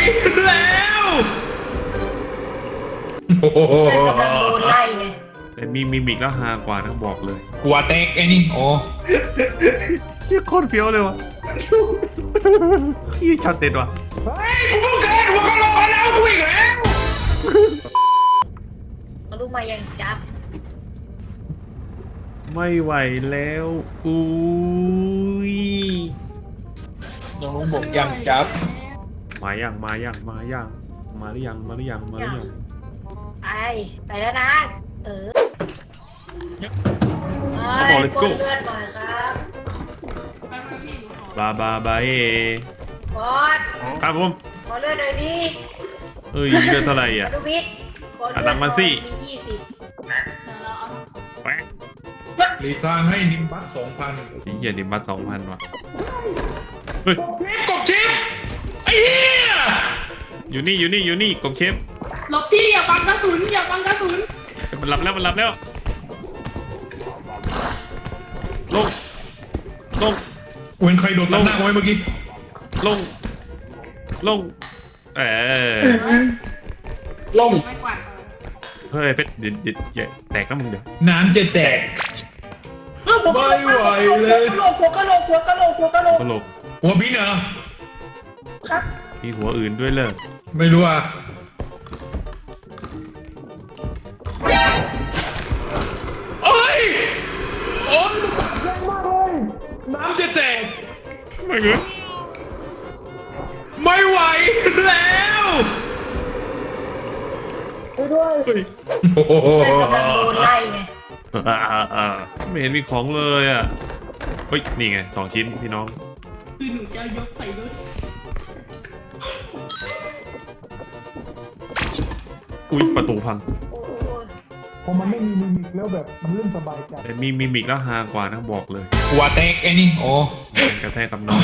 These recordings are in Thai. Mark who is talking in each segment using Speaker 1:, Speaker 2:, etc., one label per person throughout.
Speaker 1: แล้วโอ้โหไล่ไงแต่มีมิมิกแล้วฮากว่านะบอกเลยกลัวเต็กไอ้นี่โอ้เชี่ยโคตรเฟี้ยวเลยวะพี่ช็อตเด็ดว่ะเฮ้ยกูเพิ่งเกิดหัวกะโหลกแล้วกูอีกแล้ว
Speaker 2: มาลูกมายังจับ
Speaker 1: ไม่ไหวแล้วอุ้ย
Speaker 3: น้องลุงบอกยังจับ
Speaker 1: มาหรือยังมาหรือยังไป
Speaker 2: แล้วนะ
Speaker 1: บอก let's go
Speaker 2: เลื่อนหน่อยครับ
Speaker 1: บาเ
Speaker 2: บอส
Speaker 1: ครับผม
Speaker 2: ขอเลื่อนหน่อยดิ
Speaker 1: เอ้ยเลือดเท่าไหร่อ่ะ
Speaker 2: ดูวิทย์
Speaker 1: ตังมาสิ
Speaker 2: มี20
Speaker 3: หลีกทางให้นิมบัส 2,000
Speaker 1: เหี้ยนิมบัส 2,000 ว่ะเฮ้ย
Speaker 3: กบชิปไอ้เหี้ย
Speaker 1: อยู่นี่กบเชฟ
Speaker 4: หลบพี่อย่าบังกระสุน
Speaker 1: มันหลับแล้วลง
Speaker 3: กูเห็นใครโดดตัดหน้ากูไว้เมื่อกี้
Speaker 1: ลง
Speaker 3: ลง
Speaker 4: ไม่กวาด
Speaker 1: เฮ้ยเพชรเดี๋ยวแตกนะมึงเดี๋ยว
Speaker 3: น้ำจะแตกไม่ไหวเลย
Speaker 2: หัวกะโหลก
Speaker 3: หัวบินเหรอ
Speaker 2: ครับ
Speaker 1: มีหัวอื่นด้วยเลย
Speaker 3: ไม่รู้อ่ะโอ้ยแรงมากเลยน้ำจะแตก
Speaker 1: ไม่เงี้ย
Speaker 3: ไม่ไหวแล้ว
Speaker 2: ด้วยโอ้โหไล่ไง
Speaker 1: ไม่เห็นมีของเลยอ่ะเฮ้ยนี่ไง2 ชิ้นพี่น้อง
Speaker 4: คือหนูจะยกใส่รถ
Speaker 1: อุ้ยประตูพัง
Speaker 3: พอมันไม่มีมิมิกแล้วแบบมันเล่นสบายใจ
Speaker 1: แต่มีมิมิกแล้วฮากว่านะบอกเลย
Speaker 3: กลัวเต็กไอ้นี่โอ้
Speaker 1: กระแทกกับน้อง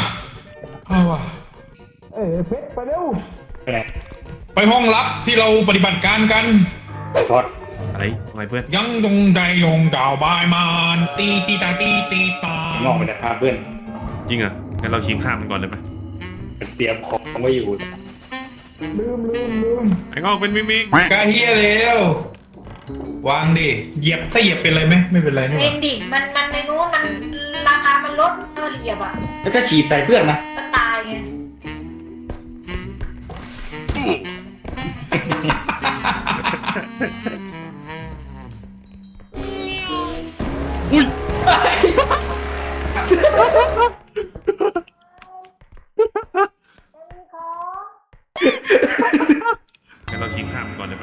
Speaker 3: เพชรไปเร็วไปห้องลับที่เราปฏิบัติการกัน
Speaker 1: ไปฟอดอะไรเพื่อน
Speaker 3: ยังจงใจยงเจ้าบายมานตีตาง
Speaker 5: อกไปจากภาพเพื่อน
Speaker 1: จริงอ่ะงั้นเราชิงข้ามมันก่อนเลยไหม
Speaker 5: เตรียมของไว้อยู่
Speaker 3: ลืม
Speaker 1: ไอ้งอกเป็นมิมิก
Speaker 3: กาเฮียเร็ววางดิเหยียบถ้าเหยียบเป็นไรไหมไม่เป็นไรนี่
Speaker 2: เป็นดิมันในนู้นมันราคามันลดถ้าเหยียบอ่ะ
Speaker 5: แล้วถ้าฉีดใส่เพื่อนนะ
Speaker 2: ก็ตายไง
Speaker 1: อุ้ยงั้นเราชิงข้ามก่อนเลยไหม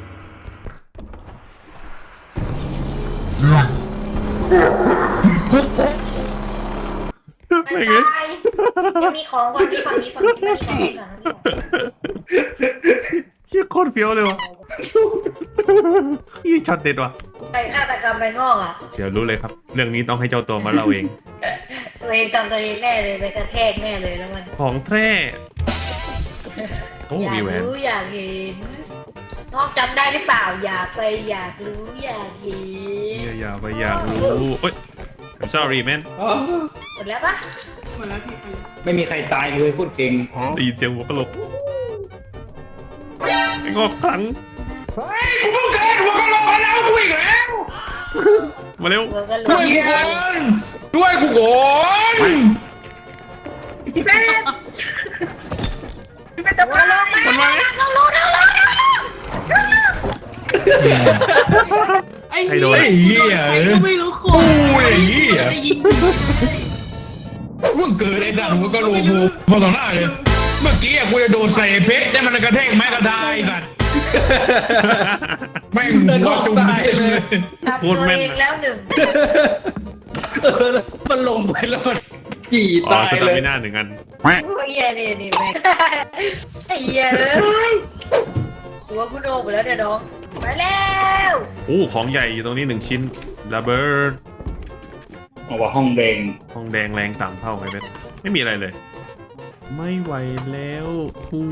Speaker 2: ไม่ไงยังมีของก่อนฝั่งนี้ก่อน
Speaker 1: เชี่ยโคตรเฟี้ยวเลยวะยี่ช็อตเด็ดว่ะ
Speaker 2: ใครฆาตกรรมไปงอกอ่ะ
Speaker 1: เดี๋ยวรู้เลยครับเรื่องนี้ต้องให้เจ้าตัวมาเล่าเอง
Speaker 2: ตัวเองจำตัวเองแน่เลยไปกระแทกแน่เลยแล้วมัน
Speaker 1: ของแท้โอ้มีแหวน
Speaker 2: อยากเห็นงอกจำได้หรือเปล่าอยากรู้อยากเห็น
Speaker 1: อยากรู้เอ้ย I'm sorry man
Speaker 2: หมดแล้วปะ
Speaker 4: หมดแล้วพี่
Speaker 5: ไม่มีใครตายเลยพูดเก่ง
Speaker 1: ได้ยินเสียงหัวกะโหลกไอ้งอกครั้ง
Speaker 3: เฮ้ยกูเพิ่งเกิดหัวกะโหลกแล้วกูอีกแล้ว
Speaker 1: มาเร็ว
Speaker 3: ด้วยกูก่อน
Speaker 2: พี่เป็ดจะมาลงมา
Speaker 4: ไอ้เหี้ยใครก็ไม่รู้คน
Speaker 3: จะยิงมึงเกิดไอ้สัตว์หัวกะโหลกมาต่อหน้าเลยเมื่อกี้กูจะโดนใส่เพชรได้มันกระแทกไม้กระดายสัตว์แม่งหัวจุ่มเลย
Speaker 2: พูดแม่นแล้วหนึ่ง
Speaker 5: มันลงไปแล้วมันจีตายเลย
Speaker 1: ไม่น่าหนึ่งอัน
Speaker 2: โอ้ยนี่แม่ไอ้เหี้ยเลยหัวกูโดนไปแล้วเดี๋ยวน้องไปแล้ว
Speaker 1: ของใหญ่อยู่ตรงนี้1 ชิ้นระเบิด
Speaker 5: บอกว่าห้องแดง
Speaker 1: แรง3 เท่าไงเบสไม่มีอะไรเลยไม่ไหวแล้วอุ้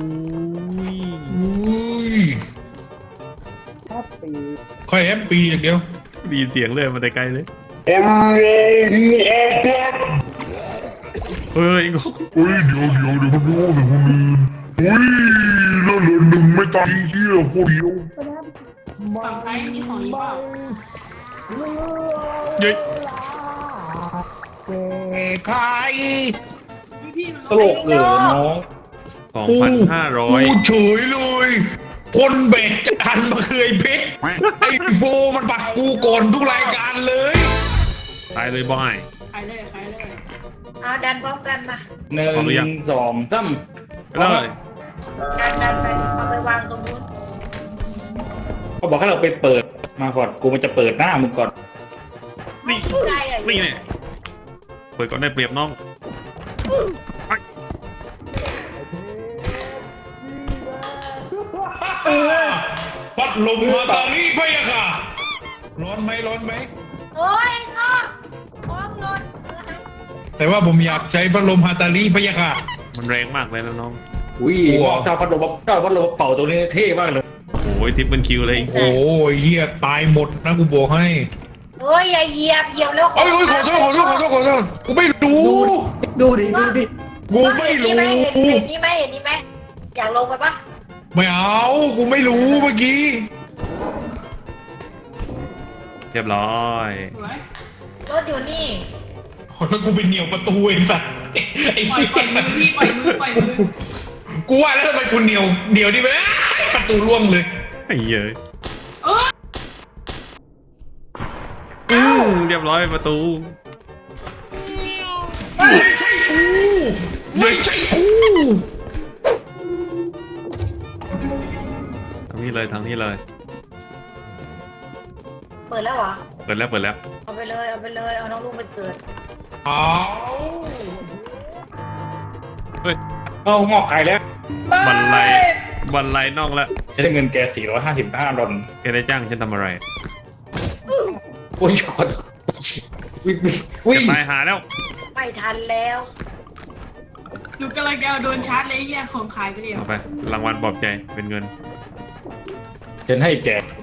Speaker 1: ย
Speaker 3: ค่อยแฮปปี้อย่างเดียว
Speaker 1: ดีเสียงเลยมาแต่ไกลเลยเฮ้ยงง
Speaker 3: เดี๋ยวมันรู้เลยคนอื่น
Speaker 6: แล้วเหลือหนึ่งไม่ตายเหี้ยโคตรเดียว
Speaker 4: ฝั่งซ้ายมีของอีกเปล่า
Speaker 1: เย้ย
Speaker 3: ใคร
Speaker 4: พี่มัน
Speaker 5: ตลกเออน้อง
Speaker 1: 2,500
Speaker 3: กูเฉยเลย คนแบกจานมาเคยเพชรไอ้โฟมันปักกูก่อนทุกรายการเลย
Speaker 1: ตายเลยบอย
Speaker 4: ขายเลยขายเลย
Speaker 2: เอาดันพร้อมกันมา
Speaker 5: หนึ่งสองสาม
Speaker 1: ไปเลย
Speaker 2: ดันไปเอาไปวางตรงนู้น
Speaker 5: เขาบอกให้เราไปเปิดมาก่อนกูมันจะเปิดหน้ามึงก่อน
Speaker 1: นี่
Speaker 2: ใกล้อะ
Speaker 1: นี่เนี่ยเปิดก่อนได้เปรียบน้อง
Speaker 3: พัดลมฮาตาลีพะยะค่ะ ร้อนไหมร้อนไหม
Speaker 2: โอ้ยงอมองหล่น
Speaker 3: แต่ว่าผมอยากใช้พัดลมฮาตาลีพะยะค่ะ
Speaker 1: มันแรงมากเลยนะน้อง
Speaker 5: อุ้ยถ้าพัดลมเป่าตัวนี้เท่มากเลย
Speaker 1: โอ้ยทิปเป็นคิวเลย
Speaker 3: โอ้ยเฮียตายหมดนะกูบอกให้
Speaker 2: โอ้ยอย่าเหยียบแล้ว
Speaker 3: โอ้ยขอโทษกูไม่รู้
Speaker 5: ดูดิ
Speaker 3: กูไม่รู้
Speaker 2: เห็นนี่ไหมอยากลงไปปะ
Speaker 3: ไม่เอากูไม่รู้เมื่อกี้
Speaker 1: เรียบร้อย
Speaker 4: สวย
Speaker 2: รถอยู่นี่
Speaker 3: แล้วกูเป็นเหนียวประตูไอ้สัตว์ไอ้
Speaker 4: ปล่อย
Speaker 3: เหี้ย
Speaker 4: มือพี่ปล่อยมือ
Speaker 3: กูว่าแล้วทำไมกูเหนียวนี่ไปประตูร่วงเลย
Speaker 1: ไอ้เหี้ย
Speaker 4: เออ
Speaker 1: เรียบร้อยประตู
Speaker 3: ไม่ใช่กูไม่ใช่กู
Speaker 1: ทางนี้เลยทางนี้เลย
Speaker 2: เปิดแล้วเหรอ
Speaker 1: เปิดแล้วเปิดแล้ว
Speaker 2: เอาไปเลย เอาน้องลูกไปเกิด
Speaker 3: เอา
Speaker 1: เฮ้ย
Speaker 5: เอางอกไข่แล้ว
Speaker 1: บันไลน่องแล้ว
Speaker 5: ฉันได้เงินแก455 ดอล
Speaker 1: แกได้จ้างฉันทำอะไร
Speaker 5: โอ้ยขอโทษวิ่ง
Speaker 1: ตายหาแล้ว
Speaker 2: ไม่ทันแล้ว
Speaker 4: หนูกำลังจะเอาโดนชาร์จเลยเฮียของขายไปเดียว
Speaker 1: เอาไปรางวัลปลอบใจเป็นเงิน
Speaker 5: ฉันให้แก